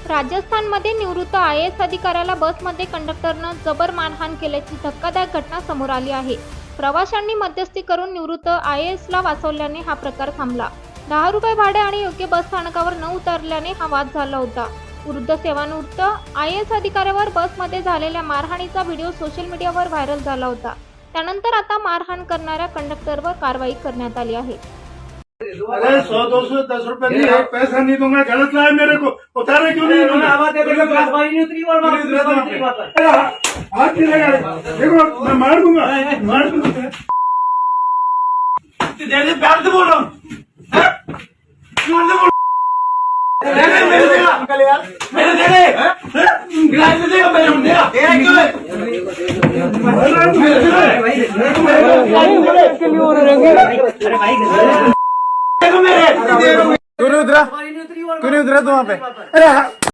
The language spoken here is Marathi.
राजस्थानमध्ये निवृत्त IAS अधिकाऱ्याला बसमध्ये कंडक्टरनं जबर मारहाण केल्याची धक्कादायक घटना समोर आली आहे। प्रवाशांनी मध्यस्थी करून निवृत्त IASला वाचवल्याने हा प्रकार थांबला। 10 रुपये भाडे आणि योग्य बस स्थानकावर न उतरल्याने हा वाद झाला होता। वृद्ध सेवानिवृत्त IAS अधिकाऱ्यावर बसमध्ये झालेल्या मारहाणीचा व्हिडिओ सोशल मीडियावर व्हायरल झाला होता। त्यानंतर आता मारहाण करणाऱ्या कंडक्टरवर कारवाई करण्यात आली आहे। अरे 100-200 10 रुपए नहीं है, पैसा नहीं दूंगा, गलत लाया मेरे को, उतारे क्यों नहीं दूंगा? हाथ नहीं लगा, देखो मैं मार दूंगा। दे प्यार से बोल रहा हूँ, मेरे देगा मेरे क्यों नहीं उतरा तू वहाँ पे? अरे